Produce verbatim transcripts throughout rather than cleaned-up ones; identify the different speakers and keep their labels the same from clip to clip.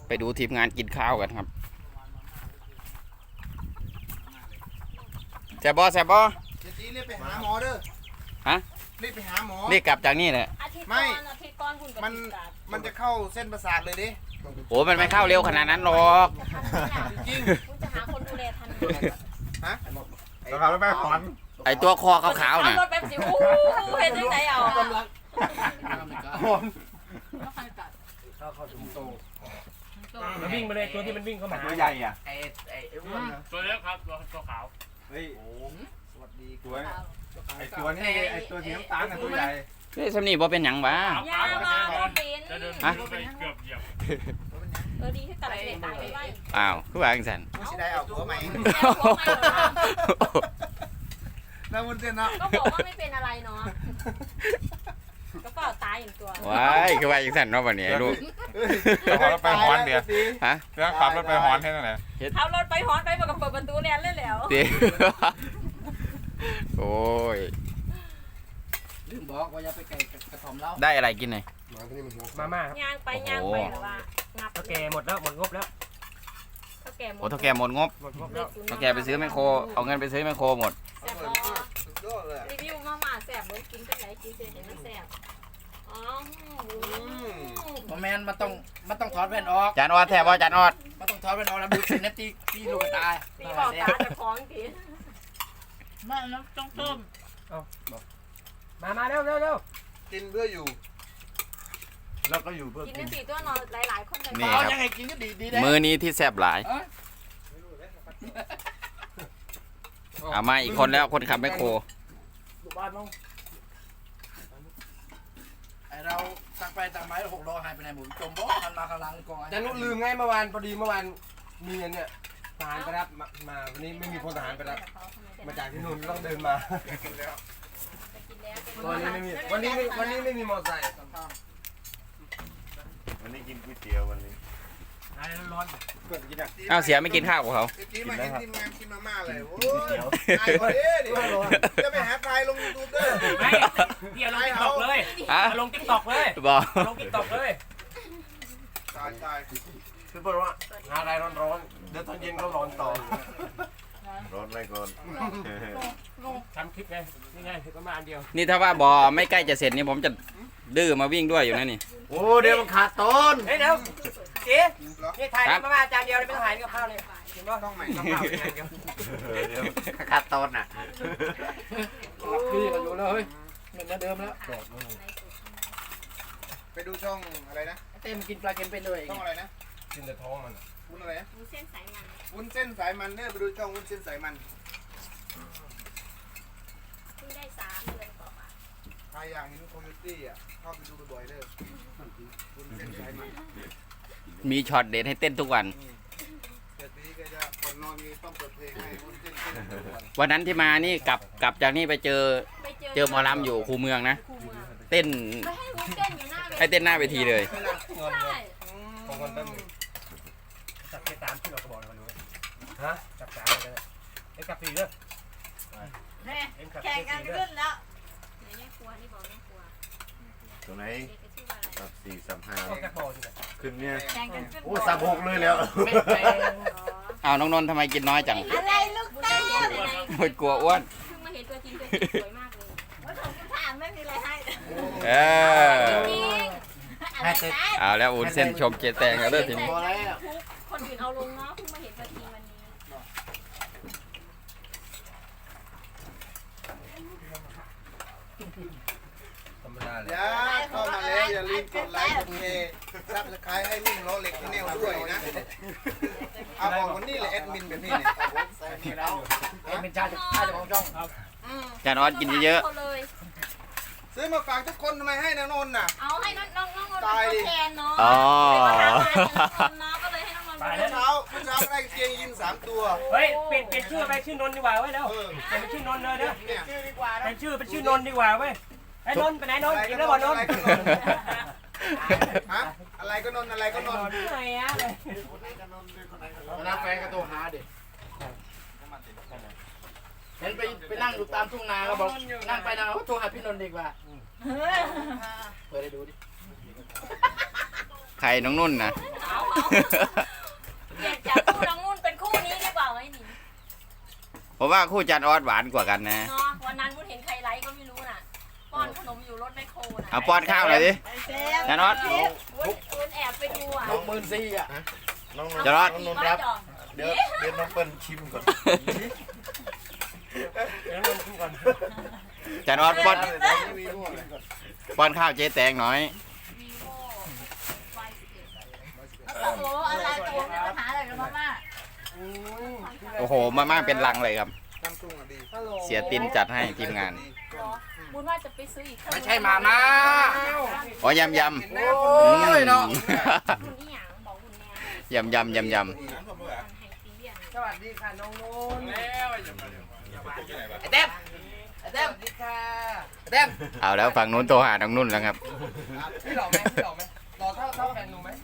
Speaker 1: ไปดูทีมงานกินข้าวกันครับแซ่บบอแซ่บบอ
Speaker 2: เดี๋ยวจีรีบไปหาหมอเด้อ
Speaker 1: ฮะ
Speaker 2: รีบไปหาหมอ
Speaker 1: รีบกลับจากนี่แหละ
Speaker 2: ไม่มันมันจะเข้าเส้นประสาทเลยดิ
Speaker 1: โอ้มันไม่เข้าเร็วขนาดนั้นหรอก
Speaker 2: จริง
Speaker 3: คุณจะหาคนดูแลทัน
Speaker 2: ฮะ
Speaker 4: ต้องขับรถไปขอน
Speaker 1: ไอตัวคอขาวๆน่ะ
Speaker 3: รถแบบสิวู้เห็นยังไงเอา
Speaker 2: กำลัง
Speaker 5: มันวิ่งมาเลยตัวที่มันวิ่งเข้ามา
Speaker 4: ตัวใหญ่อ่ะ
Speaker 2: ไอ้ไอ้อ้วนนะ
Speaker 5: ตัวเล็กครับตัวตัวขาว
Speaker 4: เฮ้ย
Speaker 2: สวัสดี
Speaker 4: ตัวไอ้ตัวนี้ไอ้ตัวสีน้ำตาลน่ะตัวใหญ่
Speaker 1: เฮ้ยสำนีบ่เป็นหยังบ้า
Speaker 3: อย่ามาโดนเป็น
Speaker 5: จะเดินไปเกือบเหยียบ
Speaker 3: เออดีที่ตัดเด็กตายไปไว้
Speaker 1: อ้าวคือว่าจังซั่น
Speaker 2: ไม่ใช่ได้เอาหัวใหม่แล้วมันเต้นเนาะ
Speaker 3: ก็บอกว่าไม่เป็นอะไรเนาะก็เปล่าตายอย่างตัว
Speaker 1: ว้ายคือว่าจังซั่นเนาะบัดนี้ลูก
Speaker 4: ต้องขับรถไปฮอนเดียว
Speaker 1: ฮะ
Speaker 4: ต้องขับรถไปฮอนแค่นั้นแหละ
Speaker 3: ขับรถไปฮอนไปบอกกับเปิดประตูแลนเลยแล้ว
Speaker 1: โอ้ย
Speaker 2: ลืมบอกว่าอย่าไปไก่กระถอมเล้า
Speaker 1: ได้อะไรกินหน่อย
Speaker 5: มาม่าครับ
Speaker 3: ย่างไปย่างไปหรือว่างับ
Speaker 5: เท่าแก่หมดแล้วหมดงบแล้ว
Speaker 3: เท่าแก่หมด
Speaker 1: โอ้เท่าแก่หมดงบ
Speaker 5: หมดงบแล้ว
Speaker 1: เท่าแก่ไปซื้อแมคโครเอาเงินไปซื้อแมคโครหมด
Speaker 3: แซ่บรีวิวมาม่าแซ่บเหมือนกินกันไหนกินเสร็จเห็นมันแซ่บอ๋อ
Speaker 2: โมเมนต์มันต้องมันต้องถอดแว่นออก
Speaker 1: จานออดแทบว่าจานออด
Speaker 2: มันต้องถอดแว่นออกแล้วดูสินะตีตีลูกตา
Speaker 3: ตีบอกตาจะคล้องทีไม่นะต้องต้ม
Speaker 5: มามาเร็วเร็วเร็ว
Speaker 2: กินเพื่ออยู่แล้วก็อยู่เพื่อ
Speaker 3: กินกันสี่ตัวนอนหลายๆคนเลย
Speaker 1: นี่ครับมื้อนี้ที่แซ่บหลายเอามาอีกคนแล้วคนขับแมคโคร
Speaker 2: ไอเราตั้งไปตั้งไม้หกล้อหายไปไหนหมุนจมบ่มันมาข้างหลังกอง
Speaker 5: จะนุลืมไงเมื่อวานพอดีเมื่อวานมีเนี่ยทหารไปรับมาวันนี้ไม่มีพลทหารไปรับมาจากที่นู่นต้องเดินมาวันนี้ไม่มีวันนี้วันนี้ไม่มีมอเตอร์ไซค์
Speaker 4: วันนี้กินก๋วยเตี๋ยววันนี้
Speaker 5: ร้อนร้อนเกิดกินอ่ะ
Speaker 1: อ้าวเสียไม่กินข้าวกับเขา
Speaker 2: กินแล้วครับทีมงานกินมาม่าเลยโอ้ยไอ้คนนี้ดิจะไปหาใครลงยูทูบเด้อ
Speaker 5: ไม่เดี๋ยวลงติ๊กต็อกเลยลงติ๊กต็อกเลย
Speaker 1: บอก
Speaker 5: ลงติ๊กต็อกเลย
Speaker 2: ตายตาย
Speaker 5: คือบอกว่าหาอะไรร้อนร้อนเดี๋ยวตอนเย็นก็ร้อนต่อ
Speaker 4: ร้อนไม่ก่อน
Speaker 5: ทำคลิปไงนี่ไงประมาณเดียว
Speaker 1: นี่ถ้าว่าบอไม่ใกล้จะเสร็จนี่ผมจะดื้อมาวิ่งด้วยอยู่นะนี่
Speaker 4: โอ้เดี๋ยวมันขาดต้น
Speaker 5: เฮ้ยเดี๋ยวเจ๊นี่ถ่ายมาม่าจานเดียวเลยไม่ต้องถ่ายกับข้าวเลยเห็นป่ะ
Speaker 2: ต้องใหม่
Speaker 5: ต้องข้าวอย่างเดียว
Speaker 4: เดี๋ยวขาดต้นน่ะ
Speaker 5: พี่ก็อยู่แล้วเฮ้ยเหมือนเดิมแล้ว
Speaker 2: ไปดูช่องอะไรนะ
Speaker 3: เต้มกินปลาเค็มไปเลย
Speaker 2: ช่องอะไรนะ
Speaker 5: กินแต่ท้องมัน
Speaker 2: วุ้นอะไรนะ
Speaker 3: วุ้นเส้นสายมัน
Speaker 2: วุ้นเส้นสายมันเนี่ยไปดูช่องวุ้นเส้นสายมัน
Speaker 3: เพิ่งได้สามเดือนต่อมา
Speaker 2: ใครอยากเห็นคอมมูนิตี้อ่ะเข้าไปดูบ่อยๆเด้อวุ้นเส้นสายมัน
Speaker 1: มีช็อตเด็ดให้เต้นทุกวัน
Speaker 2: เดี๋ยวนี้ก็จะก่อนนอนมีต้องเปิดเพลงให้วุ้นเส้นเต้นทุกวัน
Speaker 1: วันนั้นที่มานี่กลับกลับจากนี่ไปเจอเจอหมอลำอยู่คูเมืองนะเต้นให้เต้นหน้าเวทีเลย
Speaker 5: ของคนตั้งจับไปตามที่เราบอกเราดูฮะจับสามเลยเอ็มกับสี่เด้อ
Speaker 3: แข่งกันขึ้นแล้วแม่ครัวนี่บอกแม่ครัว
Speaker 4: ตัวไหนสับสี่สับห้า
Speaker 5: ขึ้น
Speaker 4: เนี่ยโอ้สับหกเลยแล้ว
Speaker 1: อ้าวน้องนนท์ทำไมกินน้อยจัง
Speaker 3: อะไรลูกเต้
Speaker 1: หมดกลัวอ้วน
Speaker 3: เพิ่งมาเห็นตัวจริงตัวจริงสวยมากเลยว่าผมจะถามไม่มีอะไรให้
Speaker 1: เออเอาแล้วอุ่นเส้นชมเจแตงแล้วเด้อทีนี้
Speaker 3: คนอื่นเอาลงเนาะเพิ่งมาเห็นตัวจริงวันนี้
Speaker 2: อย่าเข้ามาแล้วอย่าลืมกดไลค์กดแชร์ซับสไครต์ให้นิ่งล้อเหล็กที่แนวด้วยนะเอาบอกวันนี้แหละแอดมินแบบนี้เนี่ย
Speaker 5: เอ็มเป็นชาติชาติของช่อง
Speaker 1: จานออดกินเยอะ
Speaker 2: ซื้อมาฝากทุกคนทำไมให้น้องนนท์น่ะ
Speaker 3: เอาให้น้องน้องน้องนนท์เป็นแทนเนาะ
Speaker 1: อ๋อ
Speaker 3: ก็เลยให้น้องนนท์
Speaker 2: เมื่อเช้าเมื่อเช้าได้เกียงยินสามตัว
Speaker 5: เฮ้ยเปลี่ยนเปลี่ยนชื่อไปชื่อนนท์ดีกว่าเว้ยเร็วเปลี่ยนเป็นชื่อนนท์เลยเด้อเป็นชื่อเป็นชื่อนนท์ดีกว่าเว้ยไอ้นนท์ไปไหนนนท์กินแล้วบ่นนท์
Speaker 2: ฮะอะไรก็นนท์อะไรก็นนท์
Speaker 3: ไหนอะ
Speaker 2: น้าแฟนก็โทรหาดิเห็นไปไปนั่งอยู่ตามทุ่งนาก็บอกนั่งไปนั่งเขาโทรหาพี่นนท์ดีกว่าเปิดให้ดูดิ
Speaker 1: ใครน้องนุ่นนะ
Speaker 3: เอาเปลี่ยนจากคู่น้องนุ่นเป็นคู่นี้ดีกว่าไหมนี่
Speaker 1: ผมว่าคู่จันออสหวานกว่ากันนะ
Speaker 3: เนาะวันนั้นนุ่นเห็นใครไลฟ์ก็ไม่รู้น่ะป้อนขนมอยู่รถแมคโครน่ะ
Speaker 1: เอาป้อนข้าวหน่อยดิจันออส
Speaker 3: นุ่นแอบไปดูอ่ะ
Speaker 4: น้องหมื่นสี่อ่ะน้อง
Speaker 1: จะรอด
Speaker 4: น้องนนท์ครับเดี๋ยวเดี๋ยวน้องเปิ้ลชิมก่อน
Speaker 5: เดี๋ยวเราดูก่อน
Speaker 1: จันออสป้อนป้อนข้าวเจ๊แตงหน่อย
Speaker 3: วีโวไฟสิบเอ็ด
Speaker 6: โอ้โหอะไรตัวมีปัญหาอะไรกับมาม่า
Speaker 1: โอ้โหมาม่าเป็นลังเลยครับ
Speaker 2: น้ำตุ้งอ่ะดี
Speaker 1: เสียตินจัดให้ทีมงาน
Speaker 3: บุญว่าจะไปซื้ออีก
Speaker 2: ไม่ใช่มาม่า
Speaker 1: อ๋อยำยำ
Speaker 2: โอ้ยเนาะ
Speaker 3: บุญนี่หยังบอกบุญแน่
Speaker 1: ยำยำยำย
Speaker 3: ไฮซีเรียน
Speaker 2: สวัสดีค่ะน้องนุ่น
Speaker 5: ไอ้เต็ม
Speaker 2: ไอ้เต้มสวัสดีค่ะไอ้เต้ม
Speaker 1: ำเอาแล้วฝั่งนู้นโทรหาน้องนุ่นแล้วครับ
Speaker 2: พี่หล่อไหมพี่หล่อไหมหล่อเท่าเท่าแฟนหนูไหม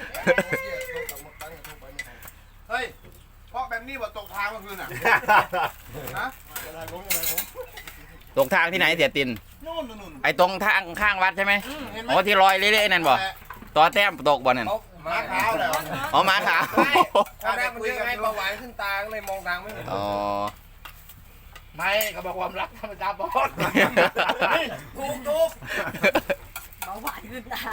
Speaker 2: เฮ้ยเพราะแบบนี้ว่าตกทางเมื่อคืนอ่ะฮะ
Speaker 1: ตรงทางที่ไหนเสียติน
Speaker 2: นู่นนู่นนู่น
Speaker 1: ไอ้ตรงทางข้างวัดใช่ไหม
Speaker 2: เห็นไหม
Speaker 1: อ๋อที่ลอยเละๆนั่นบ่ต่อแต้มตกบ่นั่น
Speaker 2: ม้าขาวเหรอ
Speaker 1: อ๋อหมาขาว
Speaker 2: ตอนแรกมันยังไงเบาหวานขึ้นตาก็เลยมองทางไม่เห็น
Speaker 1: อ๋อ
Speaker 2: ไม่เขาบอกความรักธรรมดาบอสถูกถูก
Speaker 6: เบาหวานขึ้นตา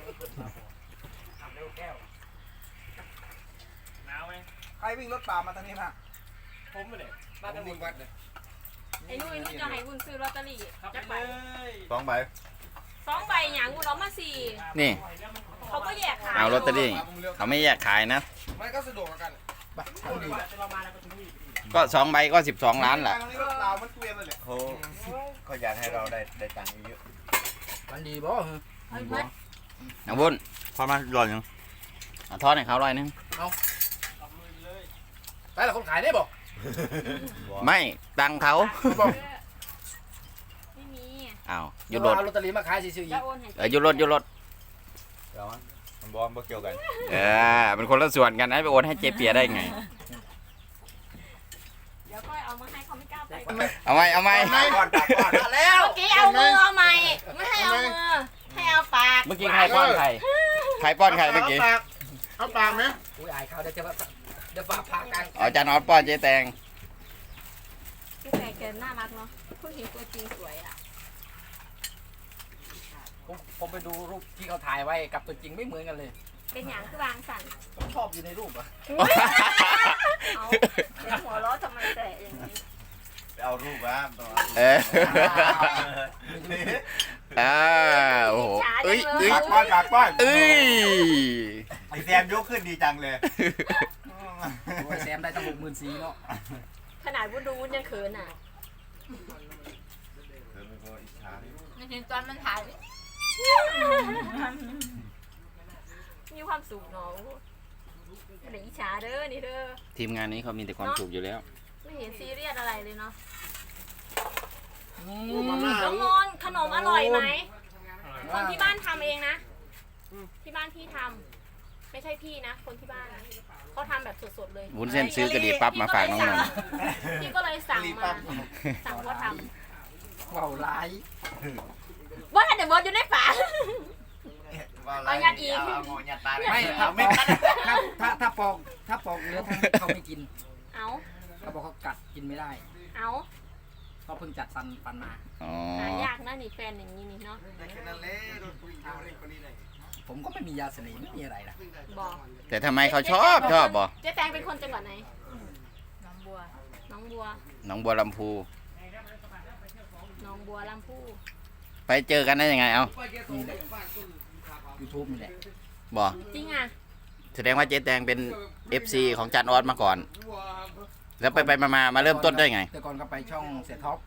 Speaker 5: หนาวไหม
Speaker 2: ใครวิ่งรถป่ามาทางนี้มา
Speaker 5: ผมไม่ได้
Speaker 2: มาทางนี้วัดเลย
Speaker 3: ไอ้นุ่นไอ้นุ่นจะให้บุญซื้อลอตเตอรี่
Speaker 5: ครับ
Speaker 3: จะ
Speaker 5: ไป
Speaker 3: ไป
Speaker 5: เลย
Speaker 4: สองใบ
Speaker 3: สองใบหยังบุญเอามาสี่
Speaker 1: นี่
Speaker 3: เขาก็แยกขาย
Speaker 1: เอาลอตเตอรี่เขาไม่แยกขายนะ
Speaker 2: มันก็สะดวกกันไปทางนี้
Speaker 5: เรามาแล้วก็ถึงนี่
Speaker 1: ก็สองใบก็สิบสองล้านแหละ
Speaker 2: ทางนี้รถเรามันเกวียนเลยแหละ
Speaker 4: โอ้ก็อยากให้เราได้ได้ตังค์เยอะ
Speaker 2: มันดีบ่
Speaker 6: เอาอีกไหม
Speaker 1: น้องบุญ
Speaker 4: พอมาหล่อนยัง
Speaker 1: เอาทอดให้เขาร้อยหนึง
Speaker 2: ไปละคนขายได้บ่
Speaker 1: ไม่ตังค์เขา
Speaker 3: ไม่มี
Speaker 1: อ้าวหยุดรถ
Speaker 2: เอาลอตเตอรี่มาขายซื้อๆอี
Speaker 3: จะ
Speaker 2: ก
Speaker 3: โอนให้
Speaker 1: เออหยุดรถหยุดรถ
Speaker 4: เดี๋ยวมันบอกมันเกี่ยวกัน
Speaker 1: เออเป็นคนละส่วนกันนะไปโอนให้เจเปียได้ไง
Speaker 3: เดี๋ยวก็เอามาให้เขาไม่กล้าไป
Speaker 1: เอาไหมเอาไหม
Speaker 4: ก่อนตักก่อน
Speaker 2: แล้ว
Speaker 3: เมื่อกี้เอามือเอาไม้ไม่ให้เอามือให้เอาปาก
Speaker 1: เมื่อกี้ใครป้อนใครใครป้อนใครเมื่อกี้
Speaker 2: เอาปากไหมอุ้ยอายเขาเดี๋ยวจะเดี๋ยวฝากพากัน
Speaker 1: อ๋อจานออสป้อนเจ๊แตง
Speaker 3: พี่แฟนแกน่ารักเนาะเพิ่งเห็นตัวจริงสวยอ่ะ
Speaker 2: ผมผมไปดูรูปที่เขาถ่ายไว้กับตัวจริงไม่เหมือนกันเลย
Speaker 3: เป็นอย่างคือวางสั่น
Speaker 2: ผมชอบอยู่ในรูปอะ
Speaker 3: เอาเดี๋ยวหัวเราะทำไมแต่อย่างนี้
Speaker 4: ไปเอารูปมาต้องเอา
Speaker 1: เอออ่าโอ้โหเอ้ยเอ้ย
Speaker 4: ปากป้อนปากป้อน
Speaker 1: เอ้ย
Speaker 4: ไอแซมยกขึ้นดีจังเลย
Speaker 2: โอ้ยแซมได้ตั้งหกหมื่นสี่เนาะ
Speaker 3: ขนาดวุ้นดูวุ้นยังเขินอ่ะ
Speaker 4: เธอไม่พออิจฉาเลย
Speaker 6: ไม่ถึงตอนมันถ่าย
Speaker 3: มีความสุขเนาะอะไรอิจฉาเด้อนี่เด้อ
Speaker 1: ทีมงานนี้เขามีแต่ความสุขอยู่แล้ว
Speaker 3: ไม่เห็นซีเรียสอะไรเลยเนาะ
Speaker 2: มาม่า
Speaker 3: น้องมนต์ขนมอร่อยไหมคนที่บ้านทำเองนะที่บ้านพี่ทำไม่ใช่พี่นะ คนที่บ้านเขาทำแบบสดๆเลย
Speaker 1: วุ้นเส้นซื้อกระดีปั๊บมาฝากน้องนนท์
Speaker 3: พี่ก็เลยสั่งมาสั่งเขาท
Speaker 2: เว้าร้าย
Speaker 3: ำว่าแต่เดี๋ยวบอสอยู่ในฝา เอายัดอีก
Speaker 4: เอางอยัดตา
Speaker 2: ไม่
Speaker 4: ไม่
Speaker 2: ถ้า
Speaker 4: เอาไม่
Speaker 2: ถ้าถ้าถ้าปอกถ้าปอกเนื้อทั้งเขาไม่กิน
Speaker 3: เอา
Speaker 2: เขาบอกเขากัดกินไม่ได้
Speaker 3: เอา
Speaker 2: เขาเพิ่งจัดฟันฟันมา
Speaker 1: อ๋อ
Speaker 3: หายากนะนี่แฟนอย่างนี้นี่เนาะ
Speaker 2: ผมก็ไม่มียาเสน่ห์ไม่มีอะไรนะ
Speaker 3: บอก
Speaker 1: แต่ทำไมเขาชอบชอบบ่
Speaker 3: เจ๊แตงเป็นคนจังหวัดไหน
Speaker 6: น้ำบัว
Speaker 3: น้องบัว
Speaker 1: หนองบัวลำพู
Speaker 3: น้องบัวลำพู
Speaker 1: ไปเจอกันได้ยังไงเอา
Speaker 2: นี่แหละยูทูบนี่แหละ
Speaker 1: บ่
Speaker 3: จริงอ่ะ
Speaker 1: แสดงว่าเจ๊แตงเป็น เอฟ ซี ของจานออสมาก่อน แล้วไปไปมามามาเริ่มต้นได้ไง
Speaker 2: แต่ก่อนก็ไปช่องเสียท็อป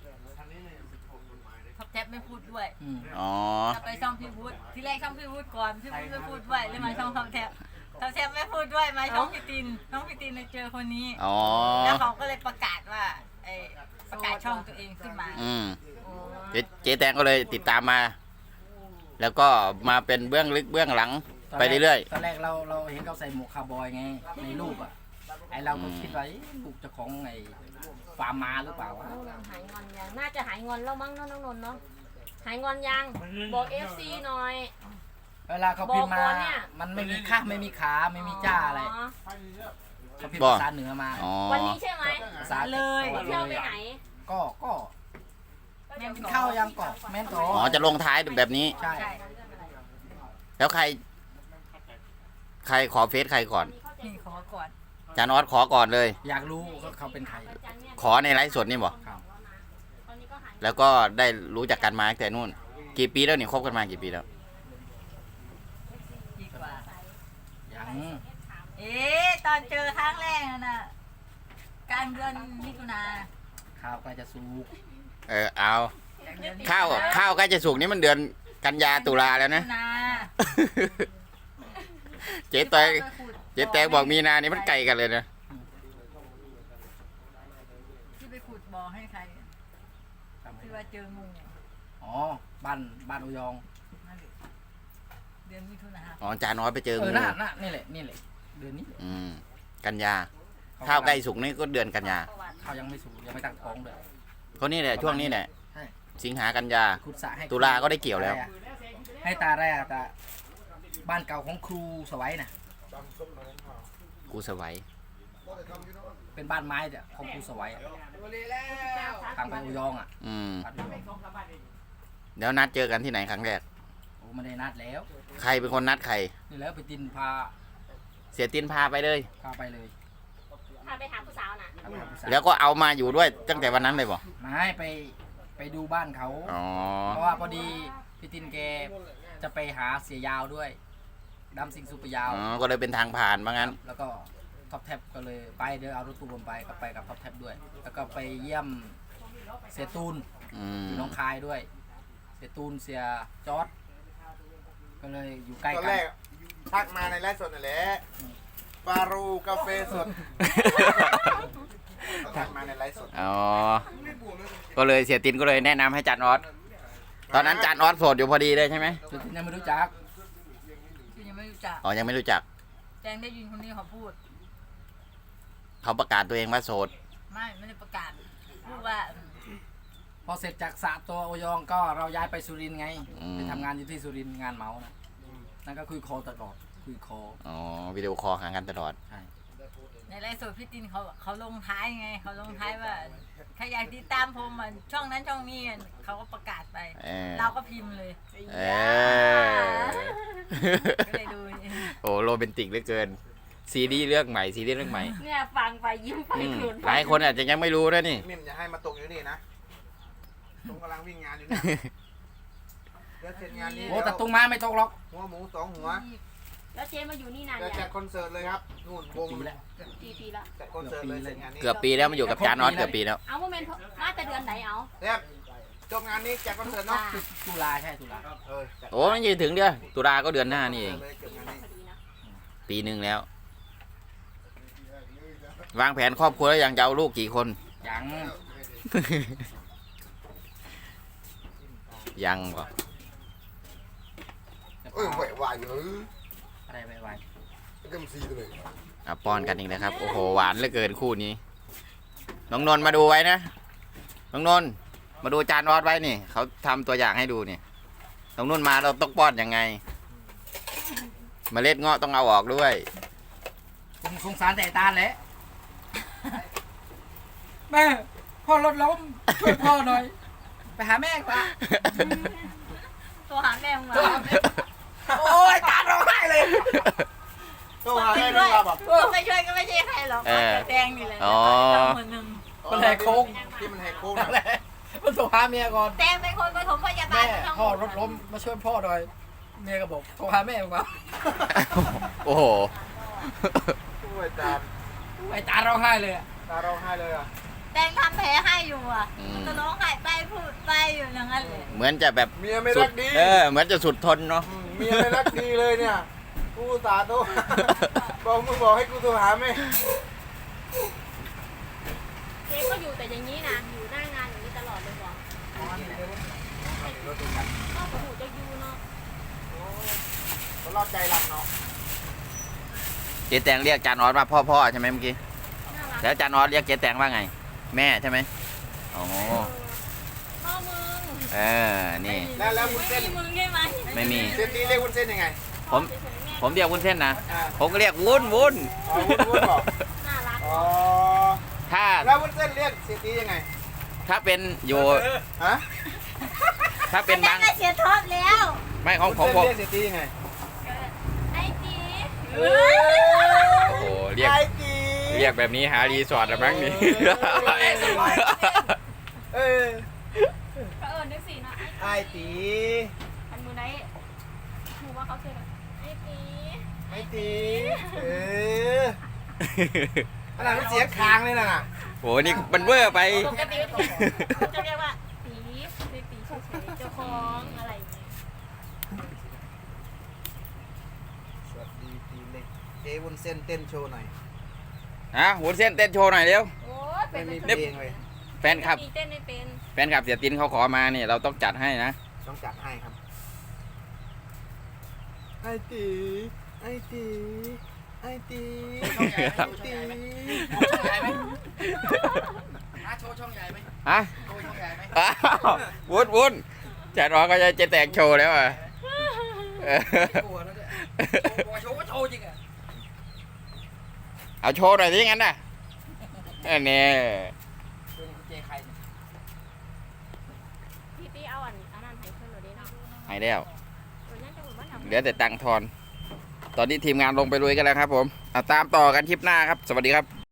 Speaker 6: ท็อปแท็บไม่พูดด้วย
Speaker 2: อืม
Speaker 1: อ๋อ
Speaker 6: ถ้าไปช่องพี่วุฒิที่แรกช่องพี่วุฒิก่อนพี่วุฒิไม่พูดด้วยเลยมาช่องท็อปแท็บท็อปแท็บไม่พูดด้วยมาช่องพี่ตินน้องพี่ตินเลยเจอคนนี้
Speaker 1: อ๋อ
Speaker 6: แล้วเขาก็เลยประกาศว่าไอ้ประกาศช่องตัวเองขึ้นมา
Speaker 1: อืมเจ๊เจ๊แตงก็เลยติดตามมา แล้วก็มาเป็นเบื้องลึกเบื้องหลัง ไปเรื่อย
Speaker 2: ตอนแรกเราเราเห็นเขาใส่หมวกคาวบอยไงในรูปอ่ะไอเราก็คิดว่าเอ๊ะลูกเจ้าของไอ้ฟาร์มมาหรือเปล่าวะ
Speaker 3: หายงอนยัง น่าจะหายงอนแล้วมั้งเนาะน้องนนท์เนาะ หายงอนยัง บอกเอฟซีหน่อย
Speaker 7: เวลาเขาพิมพ์มา มันไม่มีข้าไม่มีขาไม่มีจ้าอะไรเขาพิมพ์ภาษาเหนือมา
Speaker 1: อ๋อ
Speaker 3: วันนี้ใช่ไหม
Speaker 7: ภาษา
Speaker 6: เลย
Speaker 7: จังหวัด
Speaker 3: เที่ยวไป
Speaker 7: เลย
Speaker 3: ไหน
Speaker 7: ก็ก็แม่นเข้ายังเกาะแม่นเกาะ
Speaker 1: อ๋อจะลงท้ายแบบนี้
Speaker 7: ใช่
Speaker 6: ใช่
Speaker 1: แล้วใคร ใครขอเฟซใครก่อน
Speaker 6: นี่ขอก่อน
Speaker 1: จานอสขอก่อนเลย
Speaker 7: อยากรู้ว่าเขาเป็นใคร
Speaker 1: ขอในไลฟ์สดนี่บ่
Speaker 7: ครับ
Speaker 1: แล้วก็ได้รู้จักกันมาตั้งแต่นู่น กี่ปีแล้วนี่คบกันมากี่ปีแล้ว
Speaker 6: ดีกว่า
Speaker 7: ยัง
Speaker 6: เอ๊ะตอนเจอครั้งแรกนั่นน่ะกลางเดือนมิถุนา
Speaker 7: ข้าวใกล้จะสุก
Speaker 1: เออเอา
Speaker 6: กลางเดือนมิถุน
Speaker 1: ข้าวข้าวใกล้จะสุกนี่มันเดือนกันยาตุลาแล้วนะ
Speaker 6: มิถุนา
Speaker 1: เจ๊แตงเจ๊แตงบอกมีนานี่มันไกลกันเลยนะ
Speaker 6: ที่ไปขุดบ่อให้ใครที่ว่าเจองู
Speaker 7: อ๋อบ้านบ้านอุยอง
Speaker 6: นั่นแหละเดือนมิถุนา
Speaker 1: อ๋อจานอสไปเจอ
Speaker 7: เอ
Speaker 1: งู
Speaker 7: อน่าน่านี่แหละนี่แหละเดือนนี้แหละ
Speaker 1: อืมกันยา ข้าวใกล้สุกนี่ก็เดือนกันยา
Speaker 7: ข้าวยังไม่สุกยังไม่ตั้งท้องเลย
Speaker 1: ก็นี่แหละช่วงนี้แหละ
Speaker 7: ใช่
Speaker 1: สิงหากันยา
Speaker 7: ขุดสระให้
Speaker 1: ตุลาก็ได้เกี่ยวแล้ว
Speaker 7: ให้ตาแรกตาบ้านเก่าของครูสวัยนะ
Speaker 1: กูสวัย
Speaker 7: เป็นบ้านไม้แต่ของครูสวัยอะทางไปอุยองอ่ะ
Speaker 1: อืม
Speaker 7: บ้านอุยอง
Speaker 1: เดี๋ยวนัดเจอกันที่ไหนครั้งแรก
Speaker 7: โอ้ไม่ได้นัดแล้ว
Speaker 1: ใครเป็นคนนัดใคร
Speaker 7: นี่แล้วไปตินพา
Speaker 1: เสียตินพาไปเลย
Speaker 7: พาไปเลย
Speaker 3: พาไปหาผู้สาวน่ะ
Speaker 7: พาไปหาผู้สาว
Speaker 1: แล้วก็เอามาอยู่ด้วยตั้งแต่วันนั้นเลยบ่
Speaker 7: ไม่ไปไปดูบ้านเขา
Speaker 1: อ๋อ
Speaker 7: เพราะว่าพอดีพี่ตินแกจะไปหาเสียยาวด้วยดำสิงสุปยาว
Speaker 1: อ๋อ ก็เลยเป็นทางผ่านว่างั้น
Speaker 7: แล้วก็ท็อปแท็บก็เลยไปเดี๋ยวเอารถตู้ผมไปก็ไปกับท็อปแท็บด้วย แล้วก็ไปเยี่ยมเสียตูน
Speaker 1: อืม
Speaker 7: อยู่หน้องคายด้วย เสียตูนเสียจอร์ดก็เลยอยู่ใกล้
Speaker 2: ตอน
Speaker 7: กั
Speaker 2: แร
Speaker 7: น
Speaker 2: กทักมาในไลฟ์สดนั่นแหละฟารูกาแฟสดทักมาในไลฟ์สด
Speaker 1: อ๋อ ก็เลยเสียตินก็เลยแนะนำให้จานออสตอนนั้นจานออสโสดอยู่พอดีเลยใช่ไหม
Speaker 7: เสียตินยังไม่รู้จัก
Speaker 6: ที่ยังไม่รู้จัก
Speaker 1: อ๋อ ยังไม่รู้จัก
Speaker 6: แจงได้ยินคนนี้เขาพูด
Speaker 1: เขาประกาศตัวเองว่าโสด
Speaker 6: ไม่ไม่ได้ประกาศพูดว่า
Speaker 7: พอเสร็จจากสระตัวโอยองก็เราย้ายไปสุรินทร์ไง
Speaker 1: อืม
Speaker 7: ไปทำงานอยู่ที่สุรินทร์งานเหมานะนั่นก็คุยโคตลอดคุยโค
Speaker 1: อ๋อ วิดีโอคอลหากันตลอด
Speaker 7: ใช่
Speaker 6: ในไลฟ์สดพี่ตินเขาเขาลงท้ายไงเขาลงท้ายว่าใครอยากติดตามผมอ่ะช่องนั้นช่องนี้อ่ะเขาก็ประกาศไป
Speaker 1: เออ
Speaker 6: เราก็พิมพ์เลย
Speaker 1: เออ
Speaker 6: ก็เลยดู
Speaker 1: โอ้โรแมนติกเหลือเกิน ซีรีส์เรื่องใหม่ ซีรีส์เรื่องใหม่
Speaker 3: เนี่ยฟังไปยิ้มไป
Speaker 1: อืม
Speaker 3: กลุ่น
Speaker 1: หลายคนอาจจะยังไม่รู้นะนี่
Speaker 2: มิมอย่าให้มาตกอยู่นี่นะผมกำลังวิ่งงานอยู่เนี่ยเดี๋ยวเสร็จงานนี้
Speaker 7: โอ้แต่ตุ้งมาไม่ตกหรอก
Speaker 2: หัวหมูสองหัว
Speaker 3: แล้วเจ๊มาอยู่นี่นาน
Speaker 2: จะ
Speaker 3: เนี่
Speaker 2: จั
Speaker 3: ย
Speaker 2: ดคอนเสิร์ตเลยครับนู่นวง
Speaker 7: ปีแล้ว
Speaker 3: กี่ปีละ
Speaker 2: จัดคอนเสิร์ตเลยเสร็จงานนี้
Speaker 1: เกือบปีแล้วมาอยู่กับจานออสเกือบปีแล้ว
Speaker 3: เอาโมเมนต์มาแต่เดือนไหนเอา
Speaker 2: เรียบจบงานนี้จัดคอนเสิร์ตเนาะ
Speaker 7: ตุลาใช่ตุลา
Speaker 2: เออจัด
Speaker 1: โอ้มันยืนถึงเดือนตุลาก็เดือนหน้านี่เอง
Speaker 2: เลยเกือบงานนี้
Speaker 3: พอดีนะ
Speaker 1: ปีหนึ่งแล้ว วางแผนครอบครัวแล้วยังจะเอาลูกกี่คน
Speaker 7: ยัง
Speaker 1: ยังบ่
Speaker 2: เออไหววายอยู่
Speaker 7: อะไรไปไว
Speaker 2: ก็มีซีตัวเลย
Speaker 1: อ่ะป้อนกันอีกนะครับ โอ้โห หวานเหลือเกินคู่นี้ น้องนนท์มาดูไว้นะ น้องนนท์มาดูจานออสไว้นี่ เขาทำตัวอย่างให้ดูนี่ น้องนุ่นมาเราต้องป้อนยังไง เมล็ดเงาะต้องเอาออกด้วย
Speaker 7: ผมสงสารแต่ตาแหละแม่พ่อรถล้มช่วยพ่อหน่อย ไปหาแม่กว่า
Speaker 6: ตัวหาแม่มา
Speaker 7: โอ้ยตาร้องไห้เลย
Speaker 2: ต้องหา
Speaker 6: ไม่
Speaker 2: ได้
Speaker 6: ช่วย
Speaker 2: ด้วยป่ะ
Speaker 6: ไม่ช่วยก็ไม่ใช่ใครหรอก
Speaker 1: เออ
Speaker 6: แดงนี่แหละ
Speaker 1: อ๋อ
Speaker 6: ต้องคนหนึ่ง
Speaker 7: มันแหกโค้ง
Speaker 2: ที่มันแหกโค้ง
Speaker 7: นั่
Speaker 2: นะ
Speaker 7: นแหละมันโทรหาเมียก่อน
Speaker 6: แดงเป็นคนปฐมพยาบา
Speaker 7: แม่
Speaker 6: ลทั้งห
Speaker 7: พ่อ
Speaker 6: มด
Speaker 7: รถล้มมาช่วยพ่อหน่อย เมียก็บอกโทรหาแม่กว่า
Speaker 1: โอ้โห
Speaker 2: โอ้ยตา
Speaker 7: ไอ้ตาร้องไห้เลยอะ
Speaker 2: ตาร้องไห้เลยอ่ะ
Speaker 6: แดงทำแผลให้อยู่อ่ะ
Speaker 1: อืม
Speaker 6: มันจะร้องไห้ไปพูดไปอยู่อย่างนั้นเลย
Speaker 1: เหมือนจะแบบ
Speaker 2: เมียไม่
Speaker 1: สุ
Speaker 2: รั
Speaker 1: ด
Speaker 2: กดี
Speaker 1: เออ เหมือนจะสุดทนเนาะ
Speaker 2: มเมียไม่รักดีเลยเนี่ยกูตาโตบอกมึงบอกให้กูโทรหาแม่
Speaker 3: เจ๊ก็อยู่แต่อย่างนี้นะอยู่หน้างานอย่างนี้ตลอดเลยบอกก็หูจะยูเนาะ
Speaker 2: ก็รอดใจรักเนาะ
Speaker 1: เจ๊แตงเรียกจานออสว่าพ่อพ่อใช่ไหมเมื่อกี้
Speaker 3: น่ารัก
Speaker 1: แล้วจานออสเรียกเจ๊แตงว่าไง แม่ใช่ไหมอ๋อ
Speaker 3: พ่อมึง
Speaker 1: เออนี่
Speaker 2: แล้วแล้ววุ้น
Speaker 6: ไม่
Speaker 2: เส้น
Speaker 6: มีมึงใช่ไหม
Speaker 1: ไม่มี
Speaker 2: เส้นนี้เรียกวุ้นเส้นยังไง
Speaker 1: ผมผมเรียกวุ้นเส้นนะ
Speaker 2: อ่า
Speaker 1: ผมก็เรียกวุ้นวุ้น
Speaker 2: อ๋อวุ้นวุ้นบอก
Speaker 3: น่ารัก
Speaker 2: อ๋อ
Speaker 1: ถ้า
Speaker 2: แล้ววุ้นเส้นเรียกเศรษฐียังไง
Speaker 1: ถ้าเป็นอยู่
Speaker 2: ฮะ
Speaker 1: ถ้าเป็นบาง
Speaker 6: ก็เสียท็อปแล้ว
Speaker 1: ไม่ของ
Speaker 2: วุ้น
Speaker 1: ผม
Speaker 2: เส้น
Speaker 1: ผม
Speaker 2: เรียกเศรษฐียังไง
Speaker 3: ไอ้จี
Speaker 2: เอ้ย
Speaker 1: โอ้โหเรียก
Speaker 2: ไอ้ตี
Speaker 1: เรียกแบบนี้หารีสอร์ทละมั้งนี่
Speaker 2: เออ
Speaker 3: ก็เอิญด้วยสินะไอ้
Speaker 2: ไอ้ตี
Speaker 3: อันมือไหนหนูว่าเขาเชื่อไอ้จี
Speaker 2: ไอ้ตีเออขนาดมันเสียงคางเลยนะน่ะ
Speaker 1: โหนี่มันเวอร์ไป
Speaker 3: ปกติเขาจะเรียกว่าตีเรียกตีเฉยๆเจ้าของอะไรอย่างเงี้ย
Speaker 2: สวัสดีตีเล็กเจ๊วุ้นเส้นเต้นโชว์หน่อย
Speaker 1: ฮะวุ้นเส้นเต้นโชว์หน่อยเร็ว
Speaker 3: โอ้ยเป็
Speaker 2: ไม่
Speaker 3: น
Speaker 2: มี
Speaker 3: เป็น
Speaker 2: เพลงเลย
Speaker 1: แฟนคลับ
Speaker 3: ตีเต้นไม่เป็น
Speaker 1: แฟนคลับเสียตินเขาขอมาเนี่ยเราต้องจัดให้นะ
Speaker 2: ต้องจัดให้ครับไอ้ตีไอ้ตีไอ้ตีไอ้ตี
Speaker 7: ช่องใหญ่ไหมอ่ะโชว์ช่องใหญ่ไหม
Speaker 1: ฮะ
Speaker 7: โชว์ช่องใหญ่ไหม
Speaker 1: อ้าววุ้นวุ้นจัดรอก็จะจะแตกโชว์แล้วอ่ะเออ
Speaker 7: โชว์แล้วเนี่ยโชว์โชว์ก็โชว์จริงอ่ะ
Speaker 1: เอาโชว์หน่อยสิงั้นน่ะเออเนี่ย
Speaker 7: ตัวนี้คุณเจใครเนี่ย
Speaker 3: พี่ตีเอาอันอันนั้นให้เพื่อนหนูดิเนาะ
Speaker 1: หายแล้ว
Speaker 3: ตัวนั้นจะเหมือนบ้านทำ
Speaker 1: เหลือแต่ตังค์ทอน ตอนนี้ทีมงานลงไปลุยกันแล้วครับผมเอาตามต่อกันคลิปหน้าครับ สวัสดีครับ